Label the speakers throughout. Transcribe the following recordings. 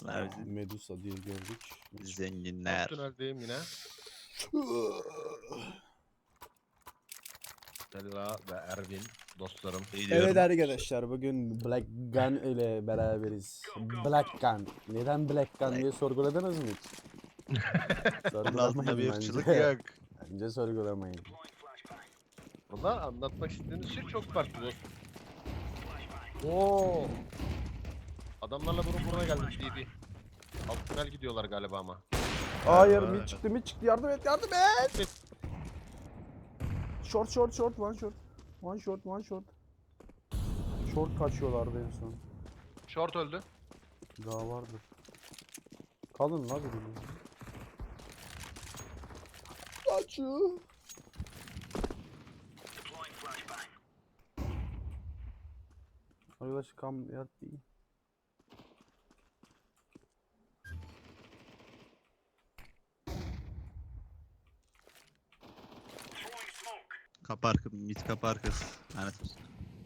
Speaker 1: Görsünler bizi.
Speaker 2: Medusa diye gördük.
Speaker 1: Zenginler.
Speaker 3: Tüneldeyim yine. Stella ve Ervin dostlarım.
Speaker 2: Evet arkadaşlar, bugün Black Gun ile beraberiz. Black Gun. Neden Black Gun diye sorguladınız mı hiç?
Speaker 1: Onun altında bir
Speaker 2: Sorgulamayın
Speaker 1: ırkçılık
Speaker 2: bence.
Speaker 1: yok.
Speaker 2: Bence sorgulamayın.
Speaker 3: Valla anlatmak istediğiniz şey çok farklı dostum. Oo. Adamlarla burun buruna geldik DD. Alt tünel gidiyorlar galiba ama.
Speaker 2: Hayır, mid çıktı, yardım et, yardım et. Short, one short. One short. Short kaçıyorlardı en son.
Speaker 3: Short öldü.
Speaker 2: Daha vardır. Kalın la birinin. Kaçıyor. Arkadaş kam yattı.
Speaker 1: Kapı arka, mit kapı arkası. Lanet olsun.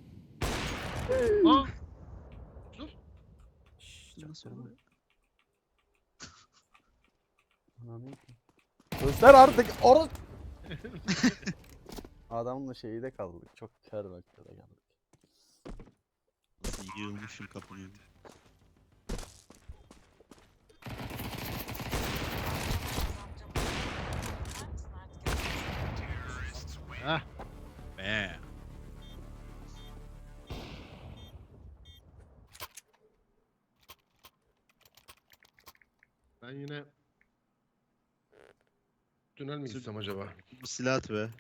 Speaker 3: Ha? Dur.
Speaker 1: Nasıl oluyor?
Speaker 2: Göster artık orası. Adamla şeyi de kaldık. Çok kör noktada kaldık.
Speaker 1: Nasıl yığılmışım kapının önünde.
Speaker 3: Heh.
Speaker 1: Be.
Speaker 3: Ben yine tünel mi gitsem acaba?
Speaker 1: Bu silah at be.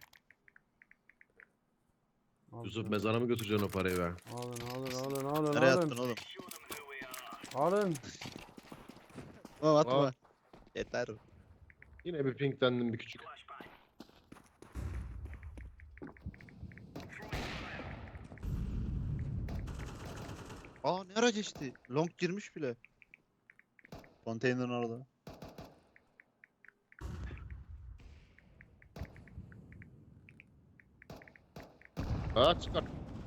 Speaker 3: Yusuf mezara mı götüreceksin o parayı be?
Speaker 2: Alın.
Speaker 1: Nereye attın oğlum?
Speaker 2: Alın.
Speaker 1: Oğlum atma.
Speaker 3: Aa.
Speaker 1: Yeter.
Speaker 3: Yine bir pinklendim bir küçük.
Speaker 1: Aa ne ara geçti? Long girmiş bile. Konteynerin orada.
Speaker 3: Ha çıkar.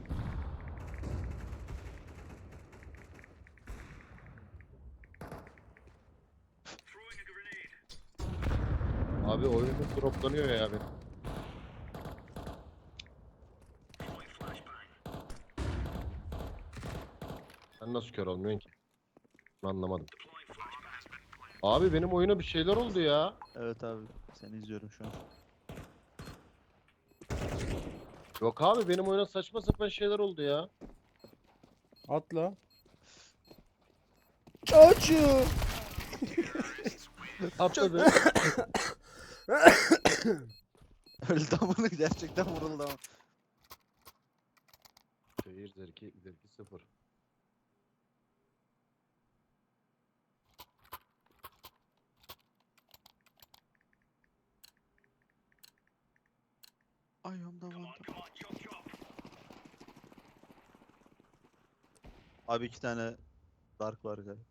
Speaker 3: Abi oyunum droplanıyor ya abi. Sen nasıl kör olmuyorsun ki? Anlamadım. Abi benim oyuna bir şeyler oldu ya.
Speaker 1: Evet abi. Seni izliyorum şu an.
Speaker 3: Yok abi benim oyuna saçma sapan şeyler oldu ya.
Speaker 2: Atla. Çocuğu.
Speaker 3: Atladı.
Speaker 1: Öldü amına gerçekten vuruldu ama.
Speaker 3: Seyir zevki 0.
Speaker 1: Ay ondan. Abi 2 tane dark var galiba.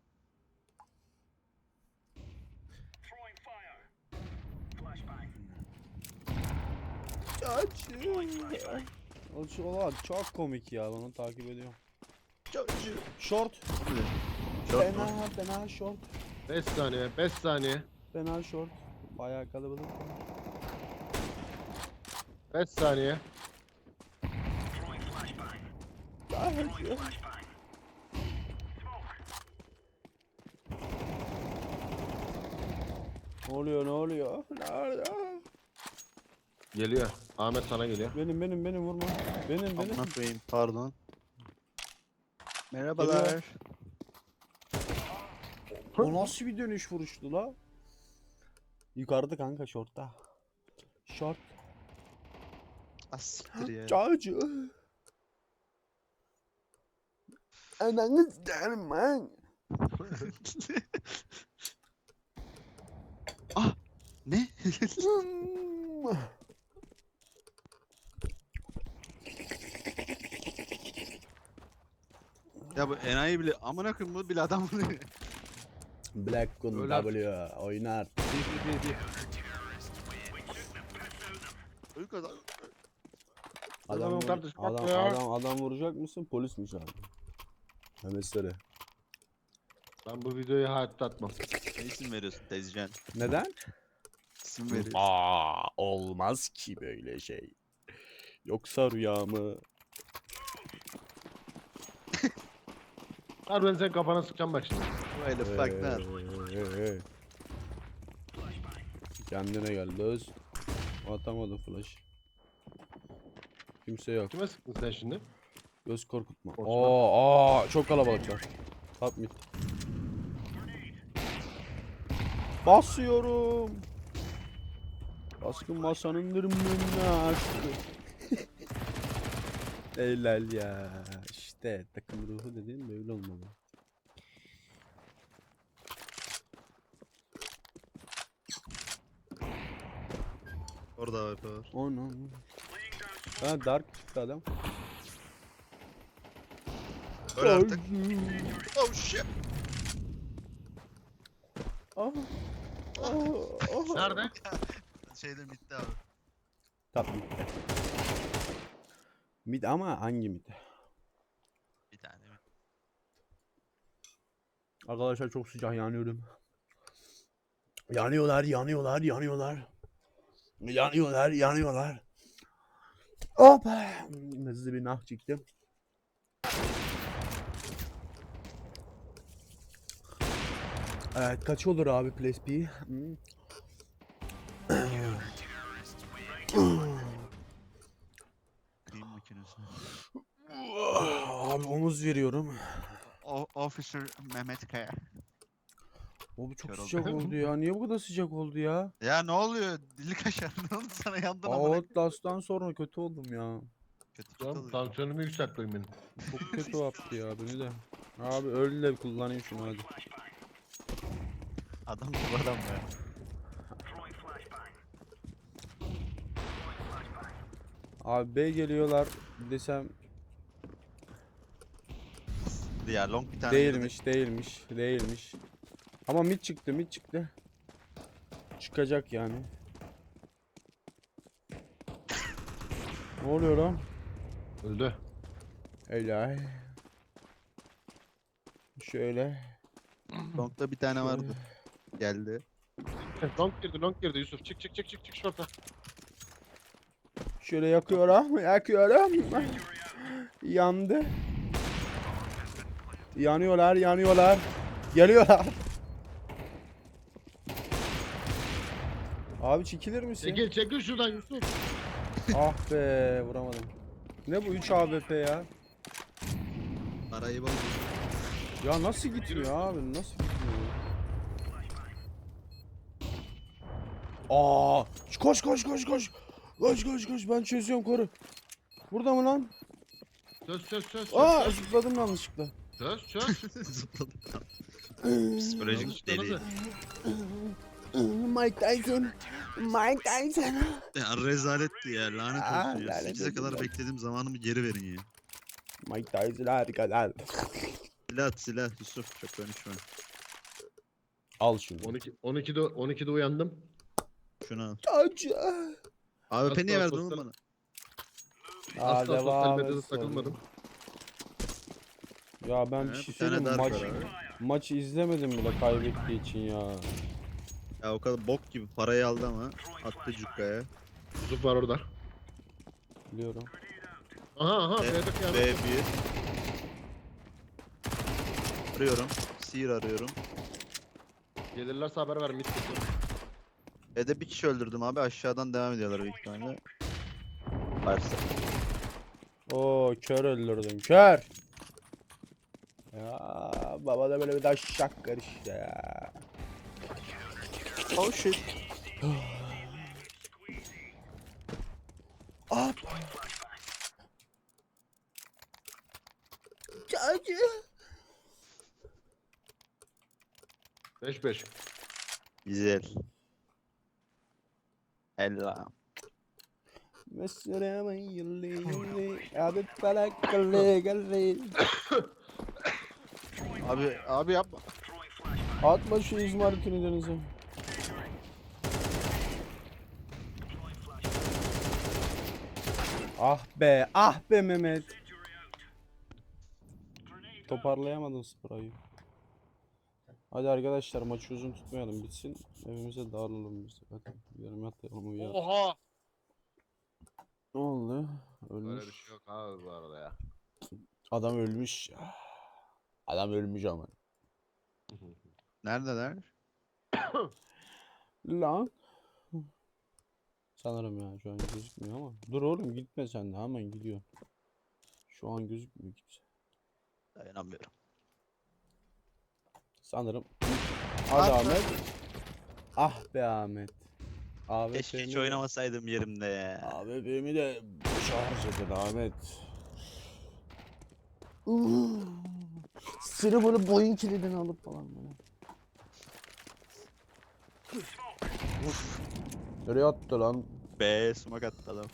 Speaker 2: Oğlum çok komik ya, onu takip ediyorum.
Speaker 1: Çocuğu.
Speaker 2: Short.
Speaker 1: Short
Speaker 2: Fena short.
Speaker 3: 5 saniye 5 saniye.
Speaker 2: Fena short. Bayağı kalabalık.
Speaker 3: 5 saniye.
Speaker 2: Ne oluyor? Nerede?
Speaker 3: Geliyor. Ahmet sana geliyor.
Speaker 2: Benim vurma. Benim.
Speaker 1: Amına koyayım pardon. Merhabalar.
Speaker 2: O nasıl bir dönüş vuruştu la? Yukarıda kanka, shortta. Short.
Speaker 1: Asiktir ya.
Speaker 2: Çocuğu. Ananı s**erim ben.
Speaker 1: Ah ne? Ya bu enayi bile amına koyayım bu bile adam vuruyor.
Speaker 2: Black Gun
Speaker 3: Öyle artık.
Speaker 2: W oynar.
Speaker 3: Bir.
Speaker 1: Öyle kadar.
Speaker 2: Adam,
Speaker 3: Tamam kardeşim, bak ya.
Speaker 2: adam vuracak mısın? Polismiş abi. Hemesleri.
Speaker 3: Ben bu videoyu hayatta atmam.
Speaker 1: Ne isim veriyorsun Tezcan?
Speaker 2: Neden?
Speaker 1: İsim veriyorsun.
Speaker 2: Olmaz ki böyle şey. Yoksa rüya mı?
Speaker 3: Harbiden sen kafana sıkacağım bak şimdi.
Speaker 1: Böyle fuck lan.
Speaker 2: Kendine gel Löz. Atamadım flash. Kimse yok.
Speaker 3: Kime sıktın sen şimdi?
Speaker 2: Göz korkutma.
Speaker 3: Korkma.
Speaker 2: Çok kalabalıklar. Top mid. Basıyorum. Baskın masanın dırmığını açtı. Helal ya. İşte takım ruhu dediğin böyle olmalı.
Speaker 1: Orada var.
Speaker 2: Onu. Ha dark çıktı adam.
Speaker 1: Öyle artık. Oh shit.
Speaker 2: Ah. Ah. Ah.
Speaker 3: Nerede?
Speaker 1: Şeyde bitti abi.
Speaker 2: Top mid. Mid ama hangi mid?
Speaker 1: Bir tane mi?
Speaker 2: Arkadaşlar çok sıcak yanıyorum. Yanıyorlar. Yanıyorlar. Hop. Hızlı bir nah çıktım. Evet kaç olur abi Place B?
Speaker 1: Kıyım makinesi.
Speaker 2: Abi omuz veriyorum.
Speaker 1: Officer Mehmet Kaya.
Speaker 2: Abi çok
Speaker 1: Kör
Speaker 2: sıcak
Speaker 1: oldum.
Speaker 2: oldu ya. Niye bu kadar sıcak oldu ya?
Speaker 1: Ya ne oluyor? Dili kaşar. Ne oldu sana yandın ama.
Speaker 2: Outlast'tan sonra kötü oldum ya.
Speaker 1: Kötü kötü
Speaker 3: Tamam,
Speaker 1: oluyor.
Speaker 3: tansiyonumu yükseltmeyin benim.
Speaker 2: Çok kötü yaptı ya beni de. Abi öyle de kullanayım şunu hadi.
Speaker 1: Adam gibi adam ya.
Speaker 2: Abi B geliyorlar desem
Speaker 1: Ya long bir tane girdi.
Speaker 2: değilmiş. Ama mid çıktı. Çıkacak yani. Ne oluyor lan?
Speaker 3: Öldü.
Speaker 2: Helal. Şöyle.
Speaker 1: Long'da bir tane vardı. Geldi.
Speaker 3: Long girdi Yusuf. Çık şurada.
Speaker 2: Şöyle yakıyorum. Yandı. Yanıyorlar. Geliyorlar. Abi çekilir misin?
Speaker 3: Çekil şuradan Yusuf.
Speaker 2: Ah be vuramadım. Ne bu 3 AWP ya?
Speaker 1: Parayı bozdu.
Speaker 2: Ya nasıl gitmiyor abi? Nasıl gitmiyor? Aa! Koş. Koş ben çözüyorum koru. Burada mı lan?
Speaker 3: Söz.
Speaker 2: Aa zıpladım yanlışlıkla.
Speaker 3: Söz.
Speaker 1: Zıpladı.
Speaker 3: Yanlış
Speaker 1: Psikolojik deli.
Speaker 3: zıpladı.
Speaker 2: Mike Tyson.
Speaker 1: Ya rezaletti ya lanet
Speaker 2: Aa,
Speaker 1: olsun ya.
Speaker 2: lanet
Speaker 1: 8'e kadar
Speaker 2: olsun.
Speaker 1: beklediğim zamanımı geri verin ya.
Speaker 2: Mike Tyson harikalar.
Speaker 1: Silah Yusuf çok konuşma.
Speaker 2: Al şunu.
Speaker 3: 12'de uyandım.
Speaker 1: Şunu al.
Speaker 2: Acı.
Speaker 1: AWP niye
Speaker 3: Asla
Speaker 1: verdin oğlum
Speaker 3: sosyal-
Speaker 1: bana?
Speaker 3: Asla sosyal
Speaker 2: devam
Speaker 3: medyada
Speaker 2: et
Speaker 3: takılmadım.
Speaker 2: Ya ben bir
Speaker 1: He,
Speaker 2: şey
Speaker 1: bir tane
Speaker 2: söyleyeyim mi?
Speaker 1: dark var abi.
Speaker 2: Maçı izlemedim bile kaybettiği için ya.
Speaker 1: Ya o kadar bok gibi parayı aldı ama attı cukkaya.
Speaker 3: Yusuf var orada.
Speaker 2: Biliyorum.
Speaker 3: Aha
Speaker 1: B1
Speaker 3: B'de kıyamet.
Speaker 1: arıyorum. Seer arıyorum.
Speaker 3: Gelirlerse haber ver. Mid kesiyorum.
Speaker 1: B'de bir kişi öldürdüm abi aşağıdan devam ediyorlar büyük ihtimalle. Varsa.
Speaker 2: Oo kör öldürdüm kör. Ya baba da böyle bir taşak karıştı ya.
Speaker 1: Oh shit.
Speaker 2: Hop. Acı.
Speaker 3: 5-5.
Speaker 1: Güzel. Ella.
Speaker 2: Mesela ben yıllı abi felak galle.
Speaker 1: Abi yapma.
Speaker 2: Atma şu izmaritini denize. Ah be Mehmet. Toparlayamadın sprayı. Hadi arkadaşlar maçı uzun tutmayalım bitsin. Evimize dağılalım biz. Hadi gidelim yatayalım uyuyalım.
Speaker 3: Oha!
Speaker 2: Ne oldu?
Speaker 3: Böyle bir
Speaker 2: Ölmüş.
Speaker 3: şey yok abi bu arada ya.
Speaker 2: Adam ölmüş. Adam ölmüş ama.
Speaker 1: Neredeler?
Speaker 2: Lan. Sanırım ya şu an gözükmüyor ama. Dur oğlum gitme sen de hemen gidiyor. Şu an gözükmüyor kimse.
Speaker 1: Dayanamıyorum.
Speaker 2: Sanırım. Hadi
Speaker 1: Ah be.
Speaker 2: Ahmet. Ah be Ahmet. Ahmet
Speaker 1: Keşke hiç oynamasaydım yerimde ya.
Speaker 2: AWP'mi de boşa harcadın Ahmet. Seni böyle boyun kilidini alıp falan böyle. Nereye attı lan?
Speaker 1: Be smoke attı adam.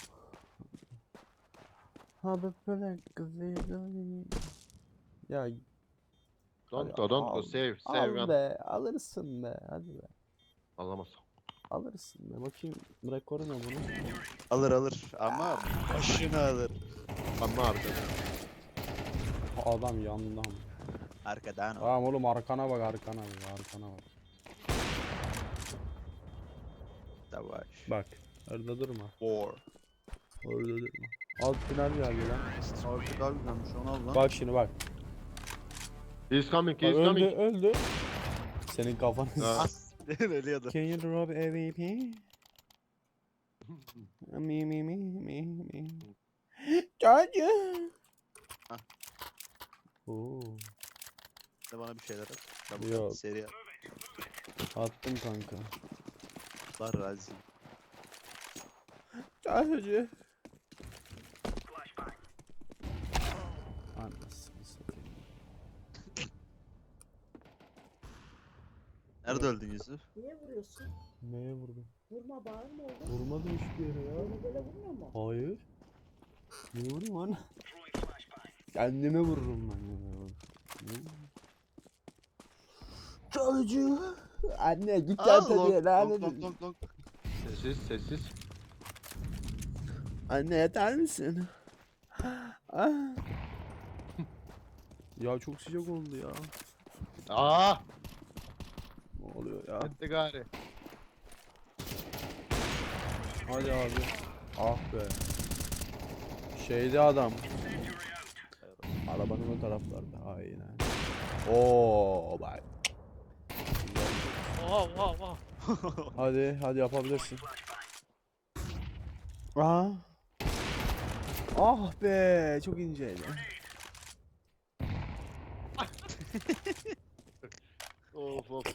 Speaker 2: Abi böyle güzel. Ya
Speaker 3: Don't go save
Speaker 2: al
Speaker 3: gun.
Speaker 2: be alırsın be hadi be.
Speaker 3: Alamaz.
Speaker 2: Alırsın be bakayım rekoru ne bunu?
Speaker 1: Alır ama başını alır.
Speaker 3: Anla abi.
Speaker 2: Adam yandan.
Speaker 1: Arkadan o.
Speaker 2: Tamam oğlum arkana bak arkana bak arkana bak.
Speaker 1: Savaş.
Speaker 2: Bak orada durma.
Speaker 1: War.
Speaker 2: Orada durma. Alt final geldi lan.
Speaker 1: Artık daha güzelmiş onu al lan.
Speaker 2: Bak şimdi bak.
Speaker 3: He's coming,
Speaker 2: Bak
Speaker 3: he's
Speaker 2: öldü
Speaker 3: coming.
Speaker 2: öldü. Senin kafanı
Speaker 3: Ha.
Speaker 1: As. Ölüyordu.
Speaker 2: Can you drop AVP? Me. Çocuğum.
Speaker 1: Ah.
Speaker 2: Oo,
Speaker 1: De bana bir şeyler at. Double
Speaker 2: Yok.
Speaker 1: at, seri at.
Speaker 2: attım kanka.
Speaker 1: Var razı.
Speaker 2: Çocuğum. Anasını satayım.
Speaker 1: Nerede öldün Yusuf?
Speaker 4: Niye vuruyorsun?
Speaker 2: Neye vurdum?
Speaker 4: Vurma bağırma oğlum.
Speaker 2: Vurmadım hiçbir yere ya.
Speaker 4: Böyle vurmuyor mu?
Speaker 2: Hayır. Niye vurayım lan? Kendime vururum ben ya. Çocuğu. Anne git
Speaker 1: Aa,
Speaker 2: yat
Speaker 1: long,
Speaker 2: hadi lan.
Speaker 3: Sessiz, sessiz.
Speaker 2: Anne yatar mısın? Ah. Ya çok sıcak oldu ya.
Speaker 3: Aa!
Speaker 2: Ne oluyor ya?
Speaker 3: Gitti gari.
Speaker 2: Hadi abi. Ah be. Şeyde adam. Arabanın o taraflarda. Aynen. Oo bak.
Speaker 3: Oha.
Speaker 2: Hadi yapabilirsin. Aa. Ah be çok inceydi.
Speaker 3: Of.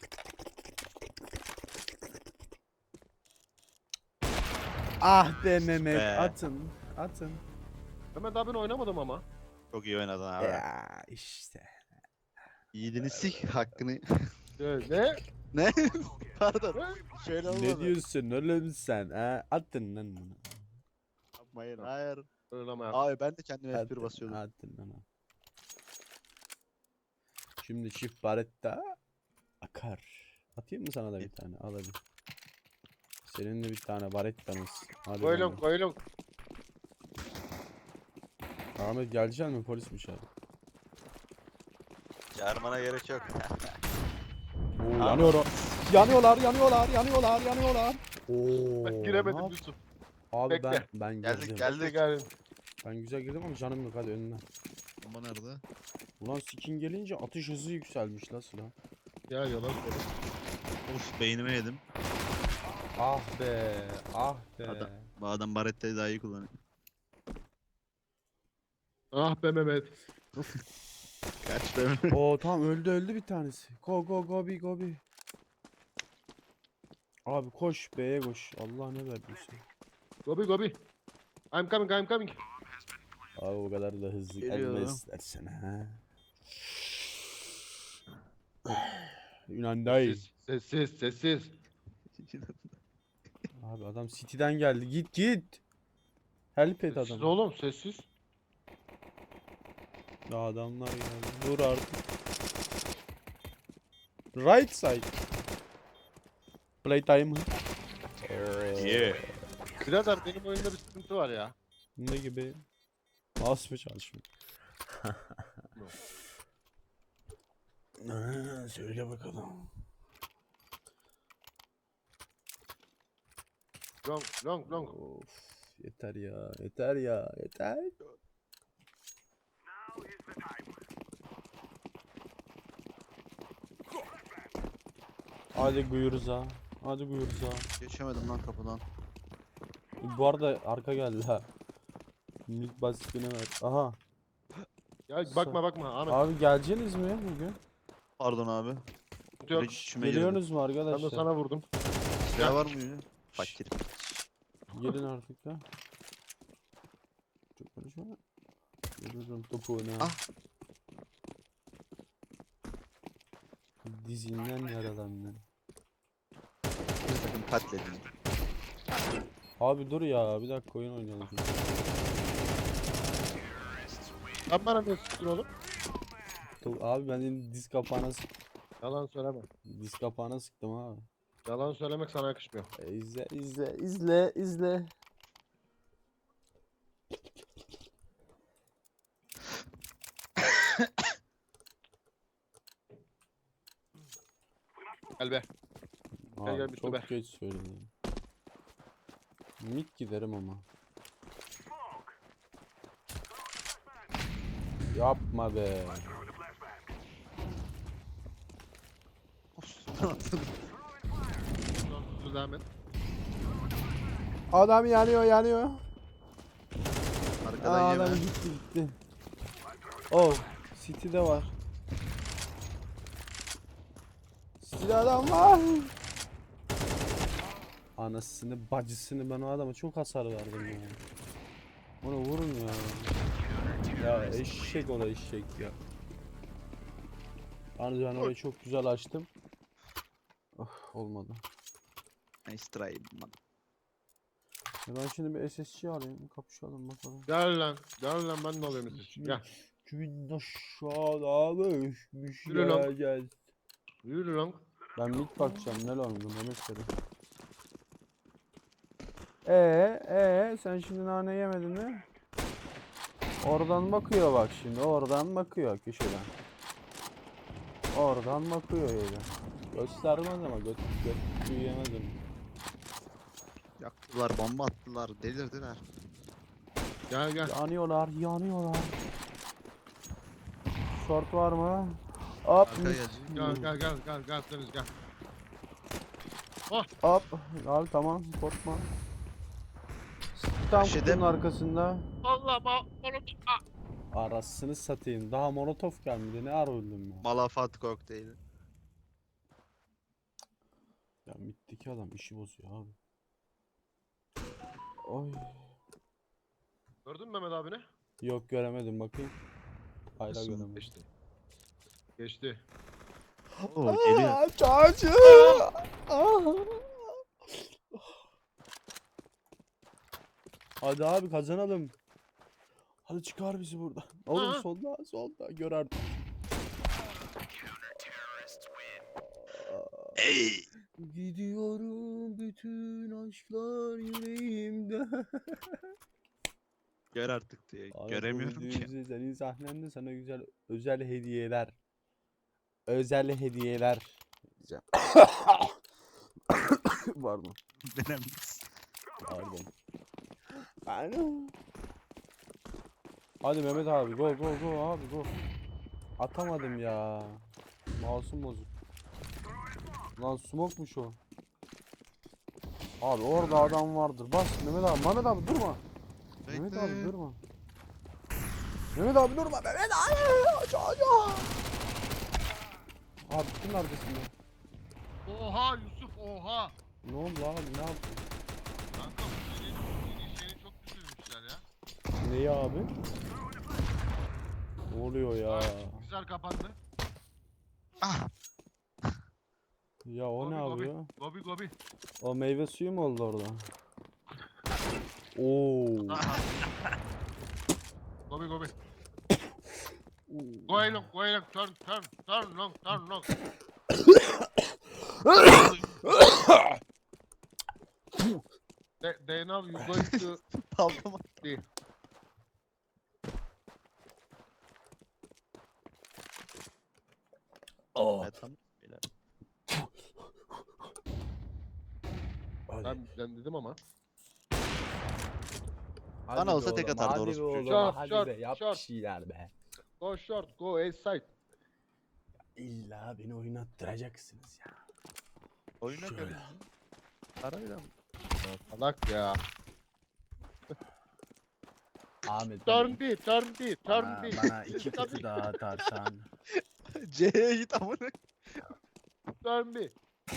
Speaker 2: Ah be Mehmet
Speaker 1: Be.
Speaker 2: atın.
Speaker 3: Mehmet abi ben oynamadım ama.
Speaker 1: Çok iyi oynadın abi.
Speaker 2: Ya işte.
Speaker 1: Yiğidini sik hakkını.
Speaker 3: Ne?
Speaker 1: Ne? Pardon. Şöyle olmadı.
Speaker 2: Ne diyorsun oğlum sen? Ha? Attın lan bunu.
Speaker 1: Yapmayın. Hayır.
Speaker 3: Öyle ama.
Speaker 1: Abi ben de kendime F1
Speaker 2: Attın,
Speaker 1: basıyordum.
Speaker 2: attın lan. Şimdi çift baretta akar. Atayım mı sana da bir tane? Al hadi. Senin de bir tane barettamız. Hadi bakalım.
Speaker 3: Koylum.
Speaker 2: Ahmet gelecek mi? Polis mi çağırdı?
Speaker 1: Çağırmana gerek yok.
Speaker 2: Oo,
Speaker 1: Abi.
Speaker 2: yanıyor o. Yanıyorlar. Oo.
Speaker 3: Ben
Speaker 2: ne
Speaker 3: giremedim
Speaker 2: yap-
Speaker 3: Yusuf.
Speaker 2: Abi
Speaker 3: Bekle.
Speaker 2: ben
Speaker 1: Geldik
Speaker 2: girdim.
Speaker 1: geldik.
Speaker 2: Ben güzel girdim ama canım yok hadi önüne.
Speaker 1: Bomba nerede?
Speaker 2: Ulan skin gelince atış hızı yükselmiş la silah.
Speaker 3: Ya yalan söyle.
Speaker 1: Of beynime yedim.
Speaker 2: Ah be.
Speaker 1: Adam. Bu adam Barretta'yı daha iyi kullanıyor.
Speaker 3: Ah be Mehmet.
Speaker 1: Kaç be.
Speaker 2: Oo tamam öldü bir tanesi. Go be. Abi koş B'ye koş. Allah ne verdiyse.
Speaker 3: Gobi. I'm coming.
Speaker 2: Abi o kadar da hızlı
Speaker 1: Geliyor.
Speaker 2: gelme istersen ha. Yunanday.
Speaker 3: Sessiz.
Speaker 2: Abi adam City'den geldi. Git. Help et
Speaker 3: Sessiz
Speaker 2: adamı.
Speaker 3: oğlum sessiz.
Speaker 2: Ya adamlar geldi. Dur artık. Right side. Playtime.
Speaker 1: Yeah.
Speaker 3: Birader benim oyunda bir sıkıntı var ya.
Speaker 2: Ne gibi? Az mı çalışmıyor? Söyle bakalım.
Speaker 3: Long long long.
Speaker 2: Of, yeter ya, yeter ya, yeter. Hadi buyuruz ha. Hadi buyuruz ha.
Speaker 1: Geçemedim lan kapıdan.
Speaker 2: Bu arada arka geldi ha. Minik basitini ver. Aha.
Speaker 3: Ya bakma bakma Ahmet.
Speaker 2: Abi geleceksiniz mi bugün?
Speaker 1: Pardon abi.
Speaker 3: Yok.
Speaker 1: Direkt içime girdi.
Speaker 2: Geliyorsunuz mu
Speaker 3: Ben de
Speaker 2: arkadaşlar?
Speaker 3: sana vurdum.
Speaker 1: Silah var mı yine? Fakir.
Speaker 2: Gelin artık ya. Çok konuşma. Vururum topuğuna.
Speaker 1: Ah.
Speaker 2: Dizinden yaralandın.
Speaker 1: Bir takım katledin.
Speaker 2: Abi dur ya, bir dakika oyun oynayalım.
Speaker 3: Sen bana ne sıktın oğlum?
Speaker 2: Abi ben senin diz kapağına
Speaker 3: Yalan söyleme.
Speaker 2: diz kapağına sıktım abi.
Speaker 3: Yalan söylemek sana yakışmıyor.
Speaker 2: İzle izle izle izle.
Speaker 3: Gel be.
Speaker 2: Abi
Speaker 3: gel, bitti
Speaker 2: çok
Speaker 3: be.
Speaker 2: geç söyledim. Mid giderim ama. Yapma be.
Speaker 3: Dur devam et.
Speaker 2: Adam yanıyor yanıyor.
Speaker 1: Arkadan
Speaker 2: Adam
Speaker 1: yeme.
Speaker 2: gitti gitti. Oh, City'de var. City'de adam var. Anasını bacısını, ben o adama çok hasar verdim ya. Ona vurun ya. Ya eşek, o da eşek ya. Yani ben orayı çok güzel açtım. Oh, olmadı.
Speaker 1: Nice try. man.
Speaker 2: Ben şimdi bir SSC alayım, kapışalım bakalım.
Speaker 3: Gel lan. Gel lan ben de alıyorum sizi. Gel.
Speaker 2: Kimin aşağıda düşmüş
Speaker 3: Yürü lan.
Speaker 2: gel.
Speaker 3: Yürü lan.
Speaker 2: Ben mid bakacağım, ne lan bu Mehmet Seri. Sen şimdi nane yemedin mi? Oradan bakıyor bak şimdi, oradan bakıyor köşeden. Oradan bakıyor öyle. Göstermez ama göt büyüyemedim.
Speaker 1: Yaktılar, bomba attılar, delirdiler.
Speaker 3: Gel gel.
Speaker 2: Yanıyorlar, yanıyorlar. Short var mı? Hop.
Speaker 1: Arka gelecek.
Speaker 3: Gel gel gel gel gel Deniz gel.
Speaker 2: Hop. Al tamam, korkma. Tam
Speaker 1: Köşede
Speaker 2: kutunun
Speaker 1: mi?
Speaker 2: arkasında.
Speaker 3: Allah onu tutma.
Speaker 2: Arasını satayım. Daha molotof gelmedi. Ne ara öldüm ya.
Speaker 1: Malafat kokteyli.
Speaker 2: Ya mitteki adam işi bozuyor abi. Oy.
Speaker 3: Gördün mü Mehmet abini?
Speaker 2: Yok göremedim, bakayım. Hayır
Speaker 1: Nasıl
Speaker 2: göremedim.
Speaker 3: Geçti. Geçti.
Speaker 1: Oo geliyor.
Speaker 2: Çocuğu. Hadi abi kazanalım. Hadi çıkar bizi buradan. Oğlum
Speaker 3: Aa.
Speaker 2: solda gör artık.
Speaker 1: Ey!
Speaker 2: Gidiyorum bütün aşklar yüreğimde.
Speaker 1: Gör artık diye.
Speaker 2: Abi
Speaker 1: Göremiyorum
Speaker 2: bu
Speaker 1: ki.
Speaker 2: videoyu senin sahnende sana güzel özel hediyeler. Özel hediyeler diyeceğim. Pardon.
Speaker 1: Benim.
Speaker 2: Pardon. Pardon. Hadi Mehmet abi go abi go. Atamadım ya. Mouse'um bozuk. Lan smoke'muş o. Abi orada adam vardır. Bas Mehmet abi durma. Mehmet abi
Speaker 1: Bekle.
Speaker 2: durma. Mehmet abi durma. Mehmet abi. Çocuğum. Abi kim arkasında?
Speaker 3: Oha Yusuf oha.
Speaker 2: Ne oldu abi, ne yaptın?
Speaker 3: Kanka bu şeyini çok düşürmüşler ya.
Speaker 2: Neyi abi? Ne oluyor ya?
Speaker 3: Güzel kapandı.
Speaker 1: Ah!
Speaker 2: Ya o ne
Speaker 3: Gobi,
Speaker 2: yapıyor?
Speaker 3: Gobi gobi.
Speaker 2: O meyve suyu mu oldu orada? Oo.
Speaker 3: Gobi gobi. Go along, turn long. They know you going to
Speaker 1: Paltama.
Speaker 3: see. Ben dedim ama.
Speaker 2: Hadi
Speaker 1: Bana
Speaker 2: be
Speaker 1: olsa tek
Speaker 2: oğlum,
Speaker 1: atardı
Speaker 2: hadi
Speaker 1: orospu
Speaker 2: be oğlum,
Speaker 1: çocuğu.
Speaker 3: Short,
Speaker 2: hadi
Speaker 3: short,
Speaker 2: be, yap bir
Speaker 3: short.
Speaker 2: şeyler be.
Speaker 3: Go short, go A side.
Speaker 2: İlla beni oynattıracaksınız ya.
Speaker 1: Oyuna
Speaker 2: Şöyle.
Speaker 1: karıştı. Parayla mı?
Speaker 3: Salak ya.
Speaker 2: Ahmet
Speaker 3: Turn B, turn B, turn
Speaker 2: bana,
Speaker 3: B.
Speaker 2: bana iki kutu daha atarsan.
Speaker 1: C'ye git amına.
Speaker 3: Turn B.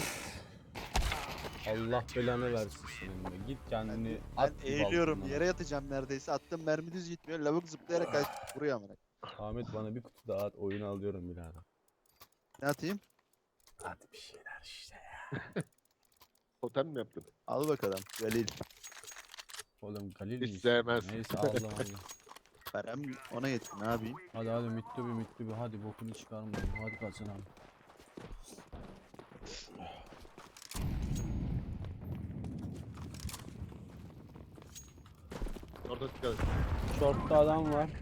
Speaker 2: Allah belanı versin senin be. Git kendini
Speaker 1: Ben
Speaker 2: at bir
Speaker 1: eğiliyorum.
Speaker 2: balkondan.
Speaker 1: Yere yatacağım neredeyse. Attım mermi düz gitmiyor. Lavuk zıplayarak kaç vuruyor amına.
Speaker 2: Ahmet bana bir kutu daha at, oyunu alıyorum birader.
Speaker 1: Ne atayım?
Speaker 2: Hadi bir şeyler işte ya.
Speaker 3: Totem mi yaptın?
Speaker 1: Al bakalım. Galil.
Speaker 2: Oğlum Galil
Speaker 3: Hiç
Speaker 2: mi
Speaker 3: sevmez.
Speaker 2: istiyorsun? Neyse Allah Allah.
Speaker 1: Param ona yetti. Ne yapayım?
Speaker 2: Hadi mitli bir hadi bokunu çıkarmayalım. Hadi kazanalım.
Speaker 3: Orada dikkat et.
Speaker 2: Short'ta adam var.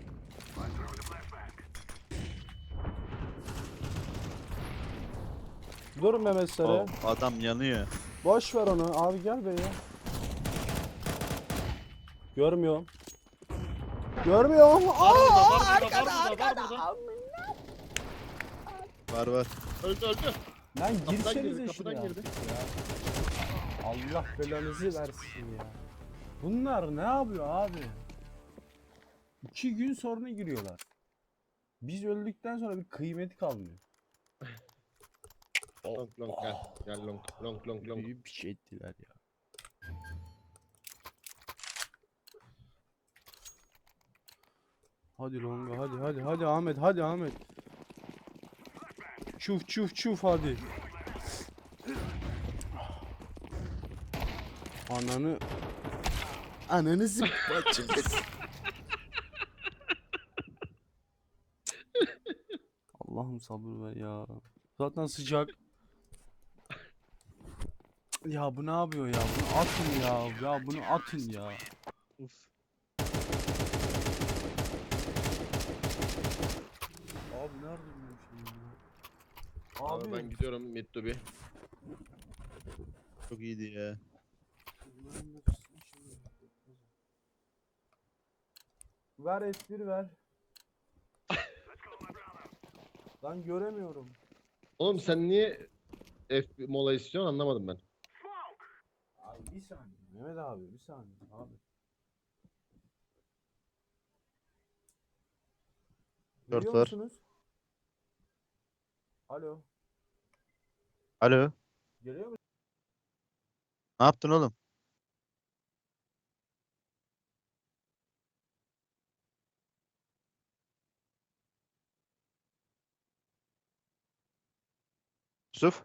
Speaker 2: Dur Mehmet Sarı.
Speaker 1: Oh, adam yanıyor.
Speaker 2: Boş ver onu. Abi gel be ya. Görmüyorum. Görmüyorum. Aa, arkada.
Speaker 1: Var var.
Speaker 3: Öldü öldü.
Speaker 2: Lan
Speaker 3: Kapıdan
Speaker 2: girsenize
Speaker 3: girdi,
Speaker 2: şuraya
Speaker 3: kapıdan girdi.
Speaker 2: artık ya. Allah belanızı versin ya. Bunlar ne yapıyor abi? 2 gün sonra giriyorlar. Biz öldükten sonra bir kıymeti kalmıyor.
Speaker 3: Long long gel. Gel long long long long.
Speaker 2: Büyük bir şey ettiler ya. Hadi Longa, hadi Ahmet, hadi Ahmet. Çuf hadi. Ananı zıplatacağız. Allah'ım sabır ver ya. Zaten sıcak. Ya bu ne yapıyor ya? Bunu atın ya. Ya bunu atın ya.
Speaker 1: Uf.
Speaker 2: Abi nerede bu şey ya?
Speaker 3: Abi ben gidiyorum mid to B.
Speaker 1: Çok iyiydi ya.
Speaker 2: Ver S1 ver. Lan göremiyorum.
Speaker 3: Oğlum sen niye F mola istiyorsun anlamadım ben.
Speaker 2: Abi bir saniye. Mehmet abi bir saniye abi.
Speaker 1: Dört
Speaker 2: Duyuyor
Speaker 1: var.
Speaker 2: musunuz? Alo.
Speaker 1: Alo.
Speaker 2: Geliyor mu?
Speaker 1: Ne yaptın oğlum? Yusuf.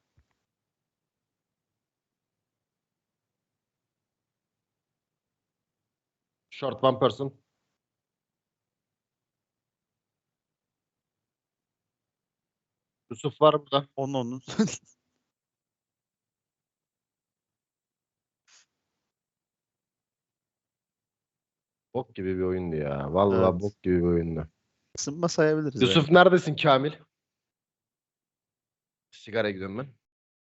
Speaker 3: Short one person. Yusuf var burada.
Speaker 1: Onun.
Speaker 3: Bok gibi bir oyundu ya. Vallahi
Speaker 1: Evet.
Speaker 3: bok gibi bir oyundu.
Speaker 1: Isınma sayabiliriz
Speaker 3: Yusuf neredesin Kamil? Sigara gidiyorum ben.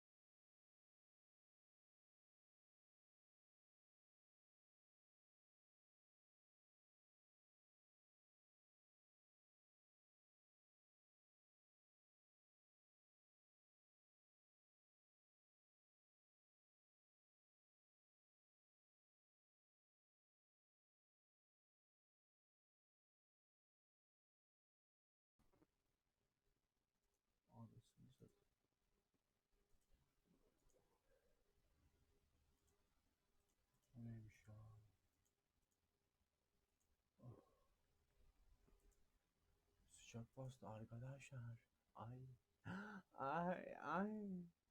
Speaker 2: O neymiş ya? Sıcak bastı arkadaşlar. Ay. Ay.